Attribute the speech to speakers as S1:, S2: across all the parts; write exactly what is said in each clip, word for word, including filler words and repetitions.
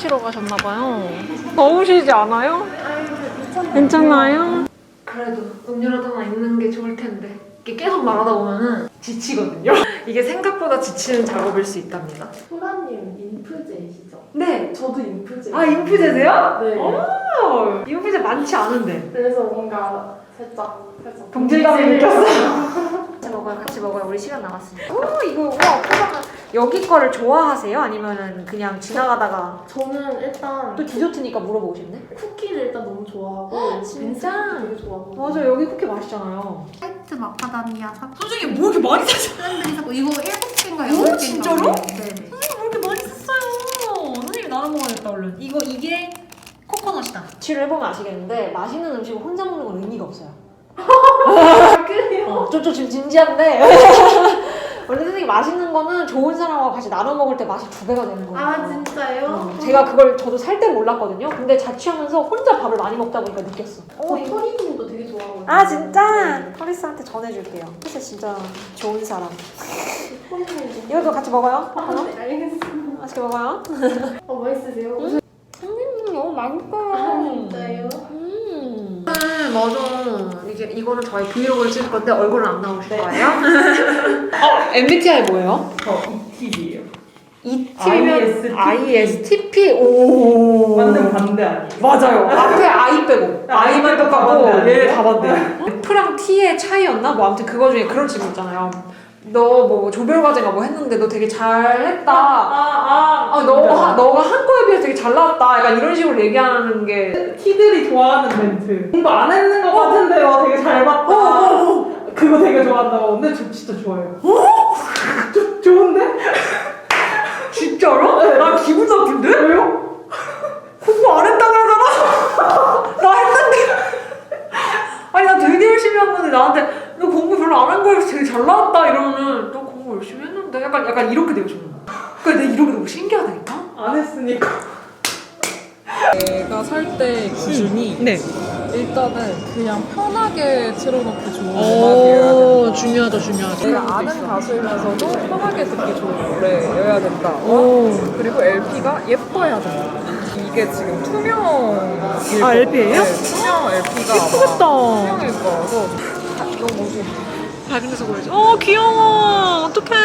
S1: 마시러 가셨나봐요. 더우시지 않아요? 괜찮나요? 그래도 음료라도 하나 있는 게 좋을 텐데 이게 계속 말하다 보면은 지치거든요. 이게 생각보다 지치는 작업일 수 있답니다.
S2: 소라님 인프제이시죠?
S1: 네.
S2: 저도 인프제.
S1: 아 인프제세요?
S2: 네.
S1: 오, 인프제 많지 않은데.
S2: 그래서 뭔가 살짝 살짝
S1: 동질감을 느꼈어요.
S3: 같이 먹어요, 같이 먹어요. 우리 시간 남았으니까. 오, 이거 와 포장은 여기 거를 좋아하세요? 아니면은 그냥 지나가다가
S2: 저는 일단
S3: 또 디저트니까 물어보고 싶네.
S2: 쿠키를 일단 너무 좋아하고
S3: 진짜?
S2: 빈스도 되게 좋아하고.
S3: 맞아, 여기 쿠키 맛있잖아요.
S4: 화이트 마카다미아 사고
S1: 솔직히 뭐 이렇게 많이 샀어?
S4: 사람들이 사고 이거 일곱 개인가
S1: 오,
S4: 여덟 개인가
S1: 진짜로?
S4: 네네.
S1: 뭐 이렇게 많이 샀어요? 선생님이 나눠 먹어야겠다 얼른. 이거 이게 코코넛이다.
S3: 치를 해보면 아시겠는데 맛있는 음식을 혼자 먹는 건 의미가 없어요.
S2: 그래요?
S3: 어, 좀, 좀 지금 진지한데 원래 선생님 맛있는 거는 좋은 사람하고 같이 나눠 먹을 때 맛이 두 배가 되는 거예요.
S2: 아 진짜요?
S3: 어, 제가 그걸 저도 살 때 몰랐거든요. 근데 자취하면서 혼자 밥을 많이 먹다 보니까 느꼈어.
S2: 어, 토리님도 되게 좋아하거든요.
S3: 아 진짜?
S2: 네.
S3: 토리스한테 전해줄게요. 토리스 진짜 좋은 사람.
S2: 토리님도.
S3: 이것도 같이 먹어요?
S2: 아,
S3: 하나?
S2: 네, 알겠습니다.
S3: 맛있게 먹어요?
S2: 어 맛있으세요?
S3: 음, 너무 맛있어요.
S2: 아 진짜요?
S3: 음.
S1: 네, 맞아. 이게 이거는 저희 브이로그를 찍을 건데 얼굴은 안 나오실 거예요. 어, 엠비티아이 뭐예요?
S5: 저 이티비예요.
S1: 이티비면 아이에스티피. 오.
S5: 완전 반대 아니에요?
S1: 맞아요. 앞에 아이 빼고 아이만 똑같고
S5: 반대
S1: 얘
S5: 아니에요?
S1: 다 반대. F랑 T의 차이였나? 뭐 아무튼 그거 중에 그런 질문 있잖아요. 너 뭐 조별과제가 뭐 했는데 너 되게 잘했다.
S5: 아, 아,
S1: 아, 너가, 너가 한 거에 비해서 되게 잘 나왔다. 약간 이런 식으로 얘기하는 게.
S5: 티들이 좋아하는 멘트. 공부 안 했는 것 같은데 와 되게 잘 봤다.
S1: 어,
S5: 그거 되게 좋아한다고. 근데 저 진짜 좋아해요. 저, 좋은데?
S1: 진짜로? 나 기분 나쁜데?
S5: 왜요?
S1: 공부 안 했다 그러잖아? 나 했는데. 아니, 나 되게 열심히 한 건데 나한테 너 공부 별로 안 한 거에서 되게 잘 나왔다 이러면은 너 공부 열심히 했는데? 약간, 약간 이렇게 되고 싶은 거야. 그래, 내가 이런 게 너무 신기하다니까?
S5: 안 했으니까.
S6: 내가 살 때 기준이
S1: 네.
S6: 일단은 그냥 편하게 틀어놓기 좋은 음악이어야
S1: 오,
S6: 된다.
S1: 중요하죠, 중요하죠.
S6: 내가 아는 가수이면서도 편하게 듣기 좋은 노래여야 된다.
S1: 오.
S6: 그리고 엘피가 예뻐야 된다. 이게 지금 투명일
S1: 아, 엘피예요?
S6: 네, 투명 엘피가
S1: 예쁘겠다.
S6: 투명일 거라서 너무 뭐지?
S1: 밝은 데서 보여줘. 어, 귀여워. 어떡해.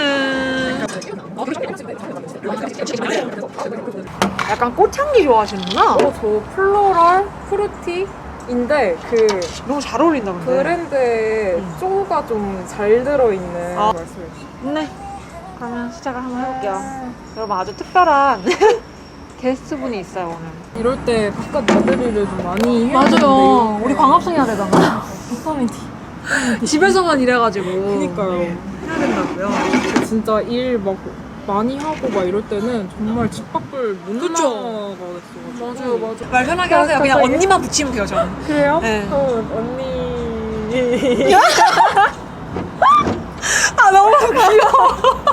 S1: 약간 꽃향기 좋아하시는구나?
S6: 어, 저 플로럴 프루티인데 그
S1: 너무 잘 어울린다, 근데.
S6: 브랜드에
S1: 음.
S6: 쪼가 좀 잘 들어있는
S1: 아.
S6: 말씀해 주시죠.
S1: 네. 그러면 시작을 한번 해볼게요. 여러분 아주 특별한 게스트분이 있어요, 오늘.
S6: 이럴 때 바깥 나들이를 좀 많이 해야
S1: 맞아요.
S6: 되는데
S1: 우리 광합성 해야 되잖아.
S6: 커뮤니티
S1: 집에서만 일해가지고.
S6: 그니까요.
S1: 해야 된다고요.
S6: 진짜 일 막 많이 하고 막 이럴 때는 정말 집 밖을 못
S1: 그쵸?
S6: 나가겠어가지고
S1: 맞아요, 맞아요. 말 편하게 하세요. 그냥
S6: 갑자기?
S1: 언니만 붙이면 돼요, 저는.
S6: 그래요?
S1: 네.
S6: 어, 언니
S1: 아, 너무 귀여워.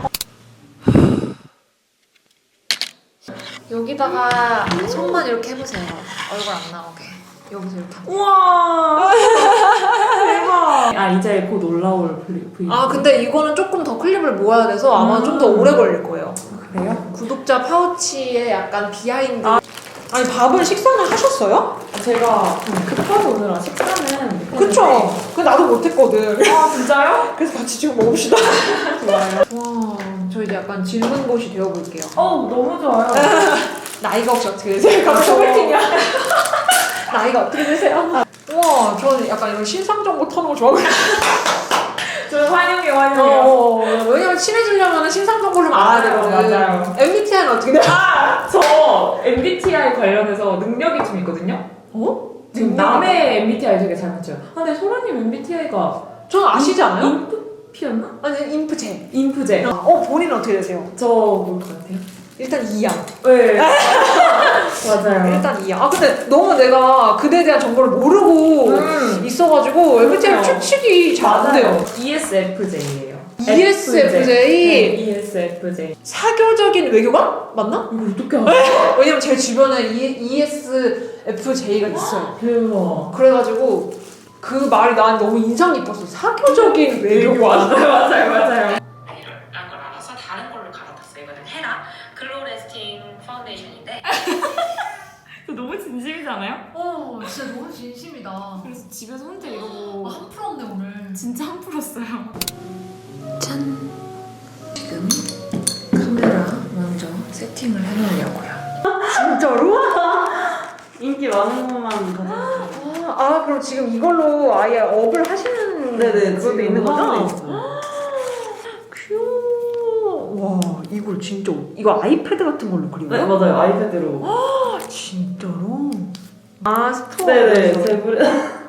S3: 여기다가 손만 이렇게 해보세요. 얼굴 안 나오게. 여기서 이렇게.
S5: 우와. 대박. 아 이제 곧 올라올 브이.
S1: 아, 근데 이거는 조금 더 클립을 모아야 돼서 아마
S5: 음.
S1: 좀 더 오래 걸릴 거예요.
S5: 그래요?
S1: 구독자 파우치에 약간 비하인드. 아. 아니, 밥은 식사는 하셨어요?
S5: 제가 급하게 오느라 식사는.
S1: 그쵸? 그 나도 못했거든.
S5: 아 진짜요?
S1: 그래서 같이 지금 먹읍시다. 좋아요. 와, 저 이제 약간 질문고시 되어볼게요.
S5: 어 너무 좋아요.
S1: 나이가 혹시 어떻게 되세요?
S5: 갑자기 소개팅이야.
S1: 나이가 어떻게 되세요? 우와, 저는 약간 이런 신상 정보 터는 거 좋아하거든요.
S5: 저는 환영해 환영해요.
S1: 어, 왜냐면 친해지려면 신상 정보를 좀 알아야
S5: 맞아요,
S1: 되거든.
S5: 맞아요.
S1: 엠비티아이는 어떻게 돼요?
S5: 아, 저 엠비티아이 관련해서 능력이 좀 있거든요.
S1: 어?
S5: 지금 남의 엠비티아이 되게 잘 맞춰요. 아, 근데 소라님 엠비티아이가
S1: 저는 아시지 않아요?
S5: 인프피였나?
S1: 아니, 인프제.
S5: 인프제.
S1: 어, 본인은 어떻게 되세요?
S5: 저 뭘 것 같아요?
S1: 일단 이야.
S5: 네. 맞아요.
S1: 일단 이야. 아, 근데 너무 내가 그대에 대한 정보를 모르고
S5: 음.
S1: 있어가지고 엠비티아이
S5: 그렇죠.
S1: 추측이 잘 안 돼요.
S5: 이에스에프제이예요.
S1: 이에스에프제이?
S5: 네, 이에스에프제이.
S1: 사교적인 외교관? 맞나?
S5: 이거 어떻게 알아?
S1: 왜냐면 제 주변에 이에스에프제이가 있어요.
S5: 대박.
S1: 그래가지고 그 말이 난 너무 인상 깊었어. 사교적인 외교관.
S5: 맞아요, 맞아요, 맞아요.
S7: 이런 걸 알아서 다른 걸로 갈아탔어요. 이거는 헤라 글로레스팅 파운데이션인데
S3: 진심이잖아요?
S1: 어 진짜 너무 진심이다.
S3: 그래서 집에서 혼자 이러고
S1: 한 프로 없네 오늘.
S3: 진짜 한 풀었어요.
S7: 짠! 지금 카메라 먼저 세팅을 해놓으려고요.
S3: 진짜로?
S5: 인기 많은 것만 가져올게요.
S3: 아, 아 그럼 지금 이걸로 아예 업을 하시는
S5: 네네,
S3: 그것도
S5: 지금
S3: 있는
S5: 하고
S3: 거죠?
S5: 있어요.
S3: 귀여워. 와 이걸 진짜 이거 아이패드 같은 걸로 그린
S5: 네,
S3: 거야?
S5: 맞아요. 아이패드로.
S3: 진짜로? 아 스토어.
S5: 네네, 제 브레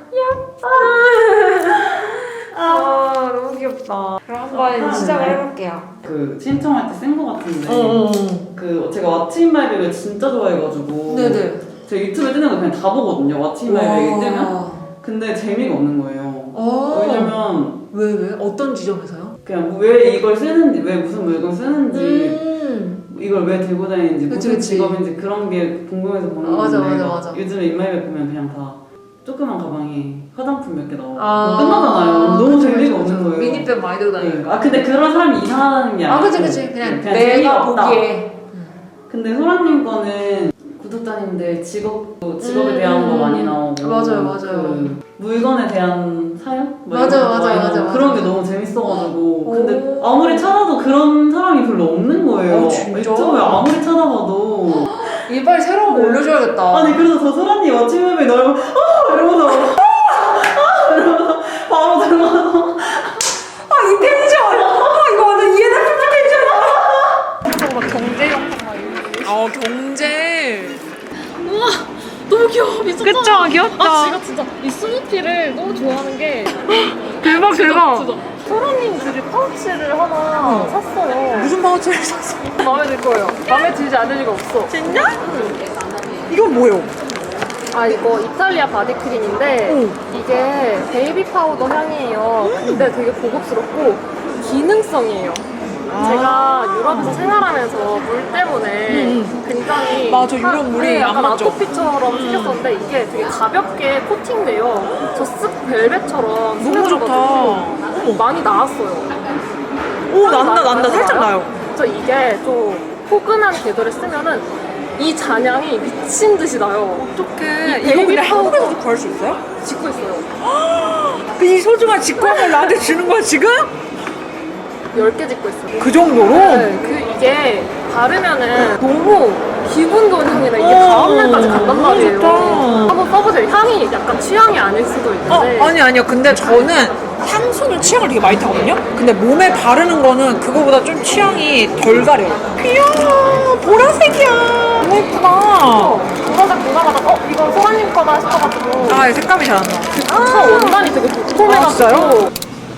S3: 아 너무 귀엽다. 그럼 한번
S5: 아,
S3: 시작을
S5: 네.
S3: 해볼게요.
S5: 그 신청할 때 쓴 거 같은데.
S3: 어.
S5: 그 제가 왓츠인 마이 백을 진짜 좋아해가지고.
S3: 네네.
S5: 제가 유튜브에 뜨는 거 그냥 다 보거든요. 왓츠인 마이 백이 뜨면.
S3: 와.
S5: 근데 재미가 없는 거예요.
S3: 어.
S5: 왜냐면
S3: 왜 왜? 어떤 지점에서요?
S5: 그냥 왜 이걸 쓰는지, 왜 무슨 물건 쓰는지,
S3: 음.
S5: 이걸 왜 들고 다니는지,
S3: 그치,
S5: 무슨
S3: 그치.
S5: 직업인지 그런 게 궁금해서 보는
S3: 맞아,
S5: 건데
S3: 맞아, 맞아.
S5: 요즘에 인마이백 보면 그냥 다 조그만 가방에 화장품 몇 개 넣어
S3: 아.
S5: 끝나잖아요. 너무
S3: 그치,
S5: 재미가
S3: 그치,
S5: 없는
S3: 그치.
S5: 거예요.
S3: 미니백 많이 들고 다니고.
S5: 네. 아 근데 그런 사람이 이상하다는 게
S3: 아
S5: 아니고
S3: 그치 그치 그냥,
S5: 그냥
S3: 내가
S5: 재미가 없다.
S3: 보기에.
S5: 근데 소라님 거는 구독자님들 직업도 직업에 대한
S3: 음.
S5: 거 많이 나오고
S3: 맞아요, 맞아요.
S5: 그 물건에 대한 사연? 뭐
S3: 맞아요,
S5: 이런 거
S3: 맞아요,
S5: 많이
S3: 맞아요,
S5: 나오고 그런
S3: 맞아요.
S5: 게 너무 재밌어가지고 근데
S3: 오.
S5: 아무리 찾아도 그런 사람이 별로 없는 거예요.
S3: 어, 진짜?
S5: 유튜브에 아무리 찾아봐도
S3: 이빨 새로운 거
S5: 네.
S3: 올려줘야겠다.
S5: 아니 그래서 저 소라님 아침에 너무 아 이러면서 아 이러면서 바로 들어가서
S3: 아, 이 텐션! 아, 이거 완전 이엔에프피 텐션이야!
S6: 경제 영상 막 이런
S3: 어, 경제.
S6: 너무 귀여워 미쳤잖아.
S3: 그쵸? 귀엽다.
S6: 아 제가 진짜 이 스누피를 너무 좋아하는 게
S3: 대박, 대박.
S6: 진짜 소라님 그 파우치를 하나 샀어요.
S3: 무슨 파우치를 샀어?
S6: 마음에 들 거예요. 마음에 들지 않을 리가 없어.
S3: 진짜? 이건 뭐예요?
S6: 아 이거 이탈리아 바디크림인데 이게 베이비 파우더 향이에요. 근데 되게 고급스럽고 기능성이에요. 제가 유럽에서 생활하면서 물 때문에 굉장히
S3: 맞아, 유럽
S6: 하-
S3: 물이
S6: 네,
S3: 안
S6: 약간
S3: 맞죠?
S6: 아토피처럼 생겼었는데 이게 되게 가볍게 코팅돼요. 저스 벨벳처럼
S3: 너무 좋다.
S6: 스며들어가지고 많이 나왔어요.
S3: 오, 난다, 난다. 살짝 나요.
S6: 저 이게 좀 포근한 계절에 쓰면은 이 잔향이 미친 듯이 나요.
S3: 어떡해.
S6: 이
S3: 이거
S6: 베이비
S3: 근데
S6: 파우더.
S3: 한국에서도 구할 수 있어요?
S6: 짓고 있어요.
S3: 그 이 소중한 직관을 나한테 주는 거야, 지금?
S6: 열 개 짓고 있어요.
S3: 그 정도로?
S6: 네, 그 이게 바르면은 너무 기분 좋은 향이라 이게
S3: 어,
S6: 다음날까지 간단
S3: 너무
S6: 말이에요.
S3: 좋다.
S6: 한번 써보세요. 향이 약간 취향이 아닐 수도
S3: 어,
S6: 있는데.
S3: 아니, 아니요. 근데 저는 향수는 취향을 되게 많이 타거든요? 근데 몸에 바르는 거는 그거보다 좀 취향이 덜 가려요. 귀여워. 보라색이야. 너무 예쁘다.
S6: 보라색 보자마자 어 이건 소라님 거다 싶어가지고.
S3: 아, 색감이 잘 안 나.
S6: 아, 원단이 되게 도톰해가지고.
S3: 아, 진짜요?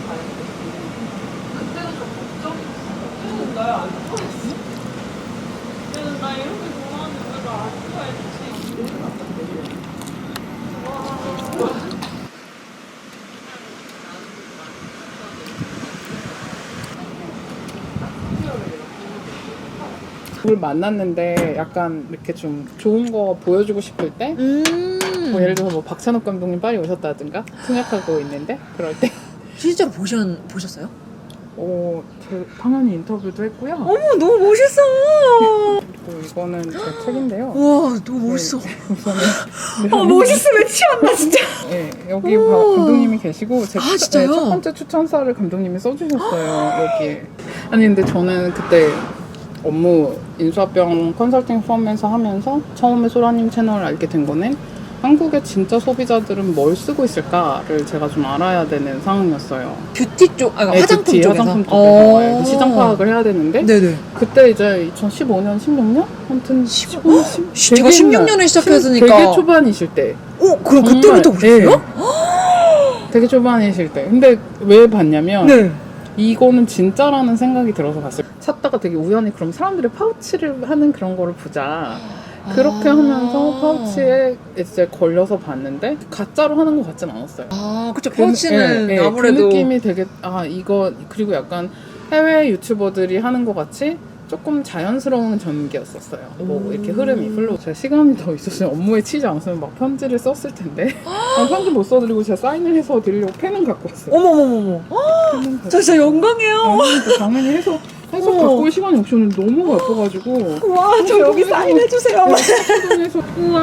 S8: 누굴 만났는데 약간 이렇게 좀 좋은 거 보여주고 싶을 때,
S3: 음.
S8: 뭐 예를 들어서 뭐 박찬욱 감독님 파리 오셨다든가 통역하고 있는데 그럴 때,
S3: 실제로 보셨, 보셨어요?
S8: 어, 제 당연히 인터뷰도 했고요.
S3: 어머, 너무 멋있어.
S8: 그리고 이거는 제 책인데요.
S3: 우와, 너무 멋있어.
S8: 우선은
S3: 아, 멋있으면 취한다, 진짜.
S8: 네, 여기 봐- 감독님이 계시고 제
S3: 아,
S8: 추-
S3: 진짜요?
S8: 네, 첫 번째 추천사를 감독님이 써주셨어요. 여기에. 아니 근데 저는 그때 업무 인수합병 컨설팅 펌에서 하면서 처음에 소라님 채널을 알게 된 거는 한국의 진짜 소비자들은 뭘 쓰고 있을까를 제가 좀 알아야 되는 상황이었어요.
S3: 뷰티 쪽, 아,
S8: 네,
S3: 화장품
S8: 뷰티,
S3: 쪽에서?
S8: 화장품
S3: 어.
S8: 쪽에서 시장 파악을 해야 되는데
S3: 네네.
S8: 그때 이제 이천십오 년, 십육 년? 아무튼 십오 년, 십-
S3: 시- 제가
S8: 되게
S3: 십육 년에
S8: 옛날,
S3: 시작했으니까.
S8: 되게 초반이실 때.
S3: 어, 그럼
S8: 정말,
S3: 그때부터 보셨어요?
S8: 네. 되게 초반이실 때. 근데 왜 봤냐면
S3: 네.
S8: 이거는 진짜라는 생각이 들어서 봤어요. 찾다가 되게 우연히 그럼 사람들이 파우치를 하는 그런 거를 보자. 그렇게
S3: 아.
S8: 하면서 파우치에 이제 걸려서 봤는데 가짜로 하는 것 같진 않았어요.
S3: 아, 그쵸.
S8: 그-
S3: 파우치는
S8: 예, 예,
S3: 아무래도.
S8: 그 느낌이 되게 아 이거 그리고 약간 해외 유튜버들이 하는 것 같이 조금 자연스러운 전기였었어요. 뭐 이렇게 흐름이 플로우. 제가 시간이 더 있었으면 업무에 치지 않았으면 막 편지를 썼을 텐데 아, 편지 못 써드리고 제가 사인을 해서 드리려고 펜은 갖고 왔어요.
S3: 어머머머머.
S8: 펜은 갖고
S3: 저 진짜 영광이에요.
S8: 아니, 그 당연히 해서 해서
S3: 어.
S8: 갖고 올 시간이 없이 오늘 너무 바빠가지고.
S3: 와, 저 여기 사인해주세요.
S8: 에서 우와.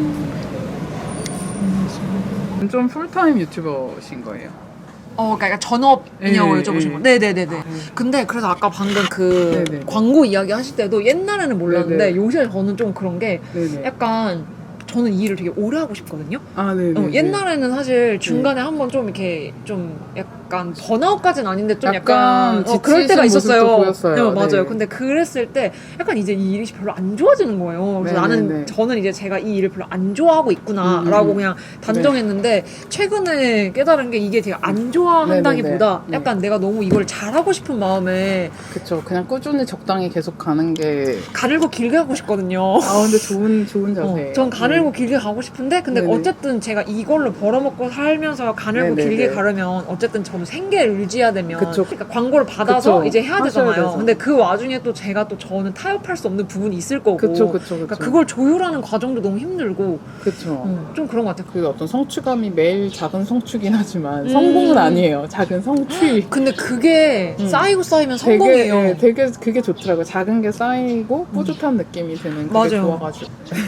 S8: 좀 풀타임 유튜버신 거예요?
S3: 어, 그러니까 전업이냐고
S8: 네,
S3: 여쭤보신
S8: 네.
S3: 거. 네네네네. 근데 그래서 아까 방금 그
S8: 네네.
S3: 광고 이야기 하실 때도 옛날에는 몰랐는데
S8: 네네.
S3: 요새 저는 좀 그런 게
S8: 네네.
S3: 약간 저는 이 일을 되게 오래 하고 싶거든요.
S8: 아, 네네.
S3: 어, 옛날에는 사실 중간에 한번 좀 이렇게 좀 약간 번아웃까지는 아닌데 좀 약간,
S8: 약간
S3: 어, 그럴 때가
S8: 지치신
S3: 있었어요.
S8: 모습도 보였어요.
S3: 네, 맞아요.
S8: 네.
S3: 근데 그랬을 때 약간 이제 이 일이 별로 안 좋아지는 거예요. 그래서
S8: 네네네.
S3: 나는 저는 이제 제가 이 일을 별로 안 좋아하고 있구나라고
S8: 음, 음.
S3: 그냥 단정했는데 최근에 깨달은 게 이게 되게 안 좋아한다기보다
S8: 네네네.
S3: 약간 내가 너무 이걸 잘하고 싶은 마음에
S8: 그쵸. 그냥 꾸준히 적당히 계속 가는 게.
S3: 가늘고 길게 하고 싶거든요.
S8: 아, 근데 좋은, 좋은 자세예요.
S3: 어, 전 가늘고 길게 가고 싶은데 근데
S8: 네네.
S3: 어쨌든 제가 이걸로 벌어먹고 살면서 가늘고
S8: 네네네.
S3: 길게 가려면 어쨌든 저는 생계를 유지해야 되면
S8: 그쵸.
S3: 그러니까 광고를 받아서
S8: 그쵸.
S3: 이제 해야
S8: 하셔야
S3: 되잖아요.
S8: 돼서.
S3: 근데 그 와중에 또 제가 또 저는 타협할 수 없는 부분이 있을 거고
S8: 그쵸, 그쵸, 그쵸.
S3: 그러니까 그걸 조율하는 과정도 너무 힘들고
S8: 그쵸.
S3: 어, 좀 그런 것 같아요.
S8: 그 어떤 성취감이 매일 작은 성취긴 하지만
S3: 음.
S8: 성공은 아니에요. 작은 성취.
S3: 근데 그게
S8: 음.
S3: 쌓이고 쌓이면
S8: 되게,
S3: 성공이에요.
S8: 예, 되게 그게 좋더라고요. 작은 게 쌓이고 뿌듯한 느낌이 드는 그게
S3: 맞아요.
S8: 좋아가지고.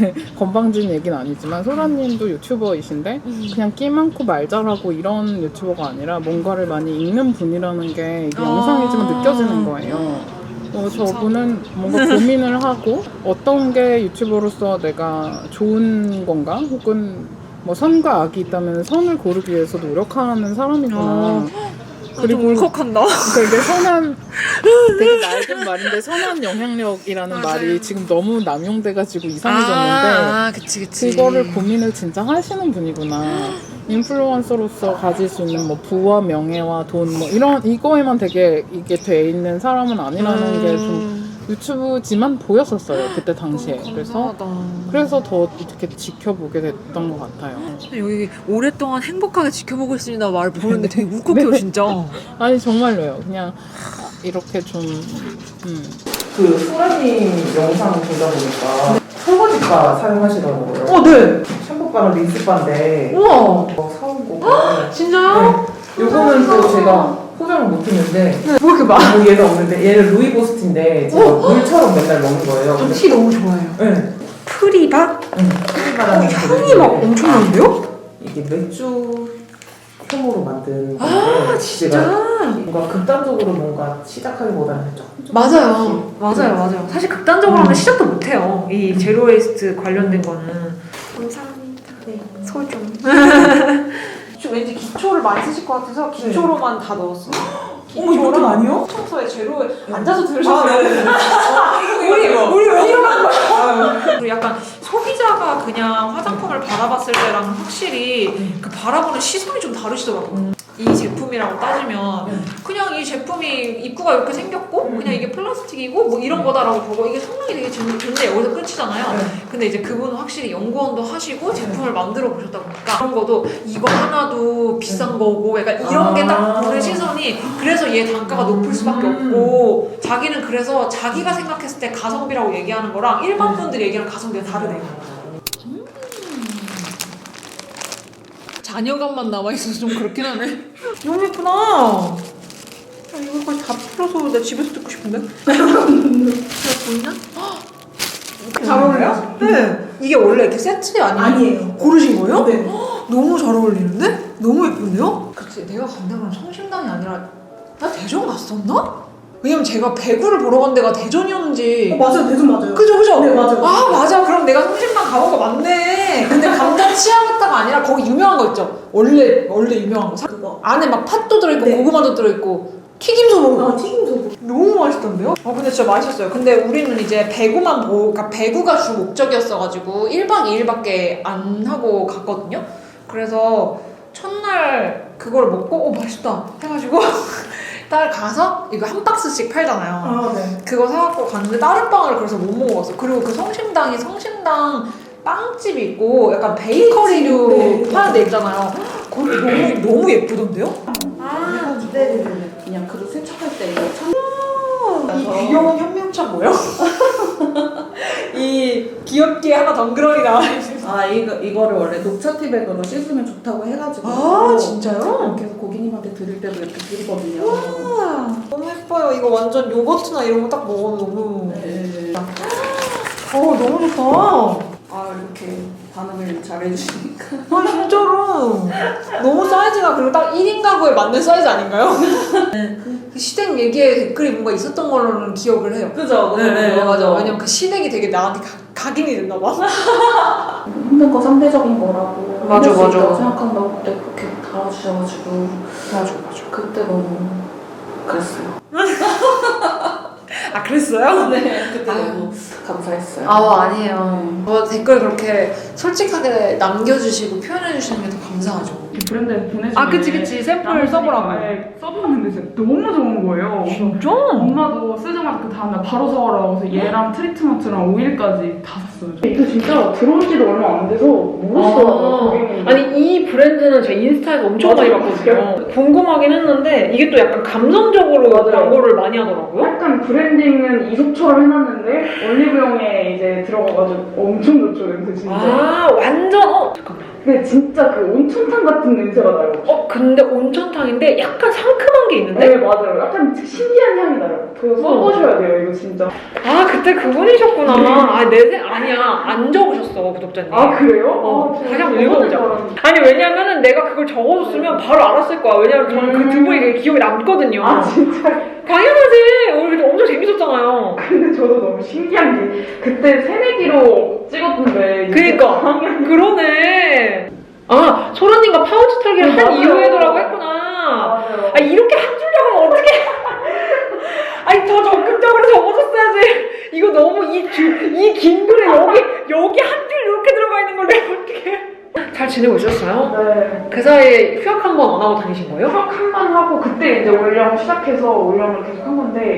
S8: 건방진 얘기는 아니지만 소라님도 유튜버이신데
S3: 음.
S8: 그냥 끼 많고 말 잘하고 이런 유튜버가 아니라 뭔가를 많이 읽는 분이라는 게 이게
S3: 아.
S8: 영상이지만 느껴지는 거예요. 어, 저분은 뭔가 고민을 하고 어떤 게 유튜버로서 내가 좋은 건가 혹은 뭐 선과 악이 있다면 선을 고르기 위해서 노력하는 사람이구나.
S3: 아.
S8: 그리고
S3: 좀 울컥한다.
S8: 되게 선한 되게 낡은 말인데 선한 영향력이라는 말이 지금 너무 남용돼가지고 이상해졌는데
S3: 아, 그치 그치.
S8: 그거를 고민을 진짜 하시는 분이구나. 인플루언서로서 가질 수 있는 뭐 부와 명예와 돈 뭐 이런 이거에만 되게 이게 돼 있는 사람은 아니라는 게 좀 유튜브지만 보였었어요 그때 당시에. 그래서 그래서 더 이렇게 지켜보게 됐던 것 같아요.
S3: 여기 오랫동안 행복하게 지켜보고 있습니다 말 보는데 되게 울컥해요 진짜.
S8: 아니 정말로요. 그냥 이렇게 좀 음.
S5: 그 소라님 영상 보다 보니까 설거지바 사용하시더라고요.
S3: 어, 네.
S5: 샴푸바랑 린스바인데
S3: 우와.
S5: 어, 사온 거고.
S3: 진짜요?
S5: 네. 요거는 또 제가 포장을 못했는데
S3: 뭐 이렇게 많아?
S5: 뭐 얘는 없는데 얘는 루이보스틴데 제가 물처럼 맨날 먹는 거예요. 근데
S3: 티 너무 좋아해요.
S5: 네.
S3: 프리바?
S5: 응. 프리바라는
S3: 향이 막
S5: 브랜드인데
S3: 엄청난데요?
S5: 이게 맥주 효모로 만든 건데
S3: 아, 진짜?
S5: 제가 뭔가 극단적으로 뭔가 시작하기보다는 조금 좀
S3: 맞아요. 맞아요, 맞아요. 사실 극단적으로 하면 시작도 못해요. 이 제로 웨이스트 관련된 거는.
S2: 감사합니다. 네. 소중.
S3: 좀 왠지 기초를 많이 쓰실 것 같아서 기초로만 다 넣었어.
S5: 어머 이것도 아니요?
S3: 청소에 제로에 앉아서 들으셨어요.
S5: 아, 네네.
S3: 우리 우리 왜 이러는 거야?
S5: 아유.
S3: 그리고 약간 소비자가 그냥 화장품을 바라봤을 때랑 확실히 그 바라보는 시선이 좀 다르시더라고요. 이 제품이라고 따지면 그냥 이 제품이 입구가 이렇게 생겼고 그냥 이게 플라스틱이고 뭐 이런 거다라고 보고 이게 성능이 되게 좋- 좋은데 여기서 끝이잖아요. 근데 이제 그분은 확실히 연구원도 하시고 제품을 만들어 보셨다 보니까 그런 것도 이거 하나도 비싼 거고 약간 이런 게 딱 보는 시선이 그래서 얘 단가가 높을 수밖에 없고 자기는 그래서 자기가 생각했을 때 가성비라고 얘기하는 거랑 일반 분들이 얘기하는 가성비가 다르대요. 음. 자녀감만 남아있어서 좀 그렇긴 하네. 너무 예쁘다. 아, 이거까지 다 풀어서 내 집에서 듣고 싶은데? 잘 보이나?
S5: 잘 어울려요?
S3: 네. 이게 원래 이렇게 세트 아니에요?
S5: 아니에요.
S3: 고르신 거예요?
S5: 네.
S3: 너무 잘 어울리는데? 너무 예쁜데요? 그치, 내가 간 데가 성심당이 아니라 나 대전 갔었나? 왜냐면 제가 배구를 보러 간 데가 대전이었는지.
S5: 맞아요. 대전 맞아요.
S3: 그죠, 그죠?
S5: 네, 맞아요.
S3: 아, 맞아. 그럼 내가 성심당 가본 거 맞네. 근데 감자 치아바타가 아니라 거기 유명한 거 있죠? 원래, 원래 유명한 거. 사-
S5: 그거.
S3: 안에 막 팥도 들어있고
S5: 네.
S3: 고구마도 들어있고 튀김소보.
S5: 아 튀김소.
S3: 너무 맛있던데요? 어 근데 진짜 맛있었어요. 근데 우리는 이제 배구만 보고, 그러니까 배구가 주 목적이었어가지고 일 박 이 일밖에 안 하고 갔거든요. 그래서 첫날 그걸 먹고 어 맛있다 해가지고 딸 가서 이거 한 박스씩 팔잖아요.
S5: 아 네.
S3: 그거 사갖고 갔는데 다른 빵을 그래서 못 먹어봤어. 그리고 그 성심당이 성심당 빵집이 있고 약간 베이커리류
S5: 네.
S3: 파는 데 있잖아요. 거기 너무 너무 예쁘던데요?
S5: 아 네네네. 그냥 그릇 세척할 때 이거 참.
S3: 이 귀여운 현명차 뭐야? 이 귀엽게 하나 덩그러니 나와 있는
S5: 아 이거 이거를 원래 녹차 티백으로 씻으면 좋다고 해가지고.
S1: 아 진짜요?
S5: 그래서 고객님한테 드릴 때도 이렇게 드리거든요.
S1: 와 너무 예뻐요. 이거 완전 요거트나 이런 거 딱 먹으면 너무.
S5: 네.
S1: 어 너무 좋다.
S5: 아 이렇게 반응을 잘해주시니까.
S1: 아 진짜로 너무 사이즈가 그리고 딱 일 인 가구에 맞는 사이즈 아닌가요? 그 시댁 얘기에 댓글이 뭔가 있었던 걸로는 기억을 해요.
S5: 그죠?
S1: 네, 네, 맞아. 왜냐면 그 시댁이 되게 나한테 가, 각인이 됐나 봐.
S5: 힘든 거 상대적인 거라고
S1: 맞아,
S5: 할수
S1: 맞아.
S5: 있다고 생각한다고 그때 그렇게 달아주셔가지고
S1: 맞아 맞아.
S5: 그때 너무 그랬어요.
S1: 아 그랬어요?
S5: 네, 그때
S1: 아유.
S5: 너무 감사했어요.
S1: 아 아니에요. 저 댓글 그렇게 솔직하게 남겨주시고 표현해주시는 게 더 감사하죠.
S9: 브랜드에 보내주면
S1: 아 그치 그치 샘플 써보라고.
S9: 네, 써봤는데 진짜 너무 좋은 거예요.
S1: 진짜?
S9: 엄마도 쓰자마자 그 다음날 바로 사오라고 해서 얘랑 트리트먼트랑 오일까지 다 샀어요. 이거 진짜 들어온 지도 얼마 안 돼서 모르시더라고요.
S1: 아, 아니 이 브랜드는 제 인스타에서 엄청 많이 봤거든요. 궁금하긴 했는데 이게 또 약간 감성적으로 광고를 많이 하더라고요.
S9: 약간 브랜딩은 이속처럼 해놨는데 올리브영에 이제 들어가가지고 엄청 좋죠 냄새 진짜.
S1: 아 완전 어 잠깐만.
S9: 근데 진짜 그 온천탕 같은 냄새가 나요.
S1: 어 근데 온천탕인데 약간 상큼한 게 있는데?
S9: 네 맞아요. 약간 신기한 향이 나요. 그거 써보셔야 돼요 이거 진짜.
S1: 아 그때 그분이셨구나. 아 내세 아니야 안 적으셨어 구독자님.
S9: 아 그래요?
S1: 어,
S9: 아,
S1: 다시 한번
S9: 진짜
S1: 읽어보자.
S9: 너무
S1: 아니 왜냐면은 내가 그걸 적어줬으면 바로 알았을 거야. 왜냐면 저는 그 두 분이 되게 기억에 남거든요.
S9: 아 진짜.
S1: 당연하지. 우리 그때 엄청 재밌었잖아요.
S9: 근데 저도 너무 신기한 게 그때 새내기로 찍었던데
S1: 그니까 그러네. 아 소라님과 파우치 털기를
S9: 네,
S1: 한
S9: 맞아요.
S1: 이후에더라고 했구나.
S9: 맞아요.
S1: 아 이렇게 한 줄력은 어떻게? 아니 더 적극적으로 적어줬어야지. 이거 너무 이이 긴 글에 여기 여기 한 줄 이렇게 들어가 있는 걸 내가 어떻게? 잘 지내고 있었어요?
S9: 네.
S1: 그 사이에 휴학 한 번 안 하고 다니신 거예요?
S9: 수학 한 번 하고 그때 이제 올영 시작해서 올영을 계속 한 건데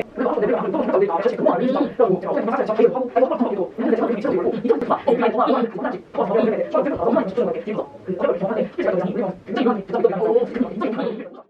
S8: 음.